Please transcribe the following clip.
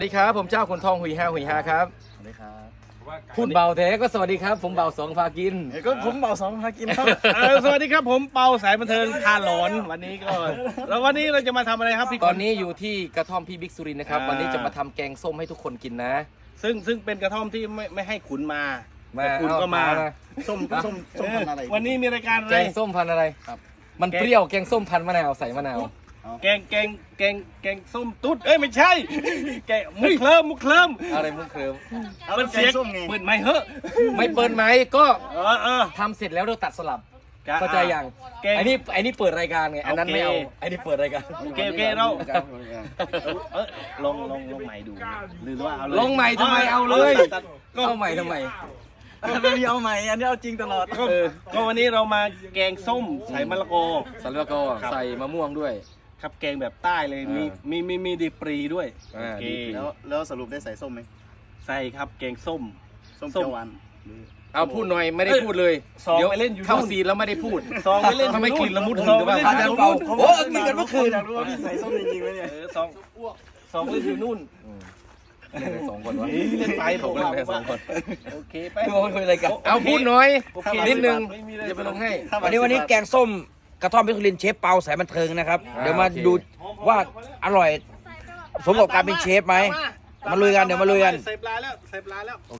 สวัสดีครับผมเจ้าขุนทองหุยฮาครับสวัสดีครับพูดเบาแท้ก็สวัสดีครับผมเบาสองพากินก็ผมเบาสองพากินครับสวัสดีครับผมเปาสายบันเทิงพาหลอนวันนี้ก็แล้ววันนี้เราจะมาทำอะไรครับพี่ตอนนี้อยู่ที่กระท่อมพี่บิ๊กสุรินทร์นะครับวันนี้จะมาทำแกงส้มให้ทุกคนกินนะซึ่งเป็นกระท่อมที่ไม่ให้ขุนมามาแต่ขุนก็มาส้มพันธุ์อะไรวันนี้มีรายการอะแกไรงส้มพันธุ์อะไรครับมันเปรี้ยวแกงส้มพันธุ์มะนาวใส่มะนาวแกงส้มตุ๊ดเอ้ยไม่ใช่แกงมุกเคลิ้มอะไรมุกเคลิมมันเสียงส้มไงเปิดไม่เหอะไม่เปิดไหมก็เออทำเสร็จแล้วเราตัดสลับกะเข้าใจยังแกงไอ้นี่เปิดรายการไงอันนั้นไม่เอาโอเคไอ้นี่เปิดรายการโอเคเราลงใหม่ดูหรือว่าเอาเลยลงใหม่ทำไมเอาเลยตัดเอาใหม่ทำไมไม่มีเอาใหม่อันนี้เอาจริงตลอดก็วันนี้เรามาแกงส้มใส่มะละกอสันแล้วก็ใส่มะม่วงด้วยครับแกงแบบใต้เลยมีดีปรีด้วยอ่าโอเคดีปรีแล้วสรุปได้ใส่ส้มไหมใส่ครับแกงส้มส้มเขียวหวานเอาพูดหน่อยไม่ได้พูดเลยซองเดี๋ยวไปเล่นอยู่เข้านู่นซีนแล้วไม่ได้พูดซองไปเล่นทำไมกลิ่นละมุดหึงซองหรือไปเปล่าเล่นอยู่เป่านู่นโอ้กินกันเมื่อคืนอยากรู้ว่าพี่ใส่ส้มจริงๆไหมเนี่ยซองเล่นอยู่นู่นเล่นไปสองคนวะเล่นไปผมเล่นไปสองคนโอเคไปคือเอาไปคุยอะไรกันเอาพูดหน่อยโอเคนิดนึงไม่มีอะไรจะไปลงให้วันนี้แกงส้มกระท่อมพิคุลินเชฟเปาสายบันเทิงนะครับ เดี๋ยวมาดูว่าอร่อยสมกับการเป็นเชฟไหมมาลุยกันเดี๋ยวมาลุยกันใส่ปลาแล้ว